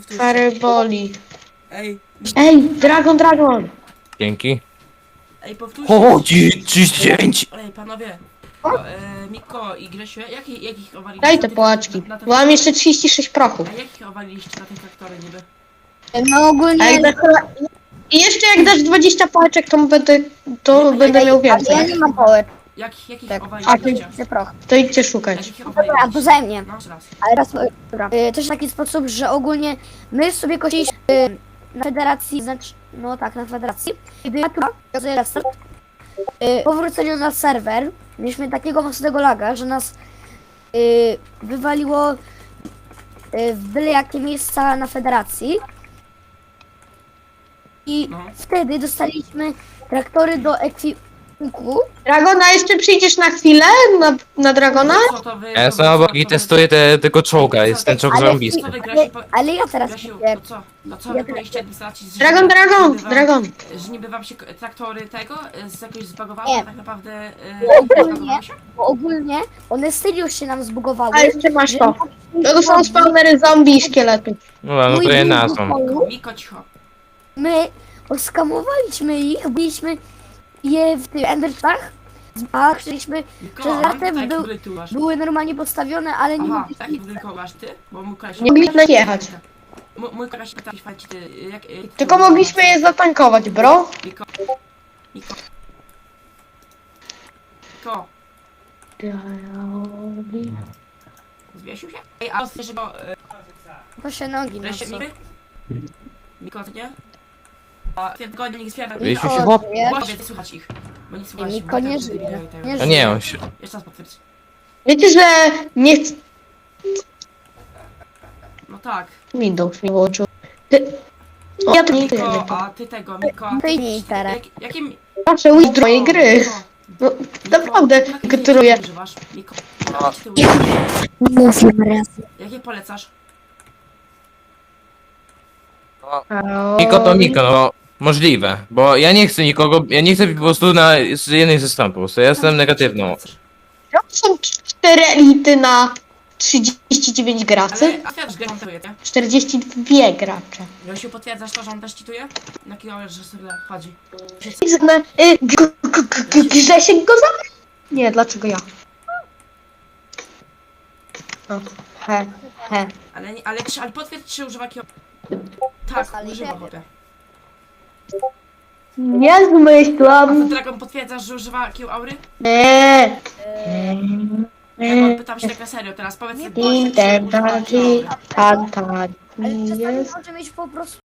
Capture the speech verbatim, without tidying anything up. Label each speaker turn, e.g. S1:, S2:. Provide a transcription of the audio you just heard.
S1: Fireboli.
S2: Ej,
S1: Ej, Dragon, Dragon!
S3: Dzięki.
S2: ej, powtórzcie.
S3: O, trzydzieści dziewięć!
S2: Ej, panowie. O, e, Miko i Grzesiu, jakich, jakich owaliliście?
S1: Daj
S2: na
S1: te
S2: tych-
S1: płaczki.
S2: na- na te-
S1: Bo mam jeszcze trzydzieści sześć prochów.
S2: A jakich owaliliście na te traktory niby?
S4: No ogólnie,
S1: Ej, I jeszcze jak dasz dwadzieścia pałeczek, to będę, to
S2: Nie,
S1: będę
S2: ej,
S1: miał
S4: ale ja
S1: więcej.
S4: nie mam power.
S2: Jak, jakich
S4: Tak.
S2: owaliliście?
S4: Chcę proch.
S1: To idźcie szukać.
S2: Jakich
S4: Dobra,
S2: owaliliście?
S4: to ze mnie.
S2: No, jeszcze raz.
S4: Ale raz, dobra. Y, Też w taki sposób, że ogólnie my sobie kosiliśmy y, na federacji, znaczy, no tak, na federacji. Gdy ja tu restart, y, po wróceniu na serwer, mieliśmy takiego mocnego laga, że nas y, wywaliło y, w byle jakie miejsca na federacji. I
S2: No.
S4: wtedy dostaliśmy traktory do ekwipunku.
S1: Dragona, jeszcze przyjdziesz na chwilę na, na Dragona?
S2: Co to wy...
S3: Ja
S2: to
S3: jestem
S2: wy-
S3: obok
S2: co-
S3: i
S2: to wy-
S3: testuję te, tego czołga, jest ten czołg
S4: Ale-
S3: zarąbisty.
S2: Co wy,
S4: Ale,
S2: Grzesiu, po-
S4: ale ja teraz
S2: Grzesiu,
S4: mówię,
S2: to co? No co wy
S4: Ja-
S2: powiedzieliście administracji, że...
S1: Dragon,
S2: niby
S1: Dragon,
S2: wam-
S1: Dragon.
S2: Że niby wam się k- traktory tego e, z jakoś zbagowały,
S4: Nie.
S2: a tak naprawdę... e,
S4: Ogólnie-
S2: zbagowały się?
S4: bo ogólnie one serio się nam zbugowały.
S1: A jeszcze masz to. No to są spawnery zombie i szkieletów.
S3: No, no
S4: Mój
S3: to je
S4: drugi
S3: nazwą.
S4: pokój,
S2: Miko, cicho.
S4: My oskamowaliśmy ich, byliśmy je w tych enderczach, a chcieliśmy,
S2: Miko,
S4: Przez
S2: a mam
S4: latem
S2: taki
S4: był-
S2: budynk tu masz.
S4: były normalnie postawione, ale nie
S2: Aha,
S4: mogliśmy...
S2: taki budynek masz ty? Bo mój koleś...
S1: Nie mogliśmy jechać.
S2: Mój, mój koleś pytał się, ty, jak... jak
S1: Tylko mogliśmy je zatankować, bro.
S2: Miko. Miko. Miko. Zwiesił się? Ej, a słyszy, bo... e,
S4: To się nogi no
S2: Wreszcie
S4: co?
S2: niby? Miko, ty nie? A ty tylko nie zbiera.
S3: Wiesił się
S4: O,
S3: chłop?
S4: wiesz?
S2: Głowie, nie słychać ich. Bo nie słychać ich,
S4: Miko
S2: bo
S4: nie
S2: tak
S4: żyje.
S2: wybierają tego.
S4: Nie
S3: No nie, on się...
S2: Jeszcze raz potwierdź.
S1: Wiecie, że nie chcę...
S2: No tak.
S1: Windows mi włączył. Ty... O, ja to nie
S2: Miko,
S1: wiem.
S2: a ty tego, Miko. a ty-
S4: Wyjmij teraz.
S2: jak- Jakim...
S1: Proszę ujść do mojej gry.
S2: Miko,
S1: No,
S2: Miko,
S1: naprawdę,
S2: jakie
S1: gratuluję.
S2: ty używasz? Miko, jakie ty używasz?
S4: Mówię raz.
S2: Jakie polecasz?
S3: Miko to Miko, no możliwe. Bo ja nie chcę nikogo, ja nie chcę po prostu na z jednej ze stron po prostu, ja jestem negatywną.
S1: To są cztery elity na trzydzieści dziewięć graczy.
S2: Ale a wiesz, że on cheatuje, nie?
S1: czterdzieści dwa gracze.
S2: Josiu, potwierdzasz to, że on też cheatuje? Na kilometr, że sobie chodzi.
S1: Zna- y, g- g- g- g- Grzesiek go zabrał? Nie, dlaczego ja? O, he, he.
S2: Ale, nie- ale, czy, ale potwierdź, czy używa kill... Tak,
S4: Ale
S2: używa
S4: nie.
S2: chłopie.
S1: Nie
S2: A ty,
S1: zmyślam.
S2: Dragon, potwierdzasz, że używa kill aury?
S1: Nie.
S2: Dragon, pytam się tak na serio teraz, powiedz mi,
S1: Tin, ten,
S2: używa
S1: tan,
S2: kill
S1: tin,
S2: aury.
S1: tan, tan.
S4: Ale czasami
S1: Jest.
S4: może mieć po prostu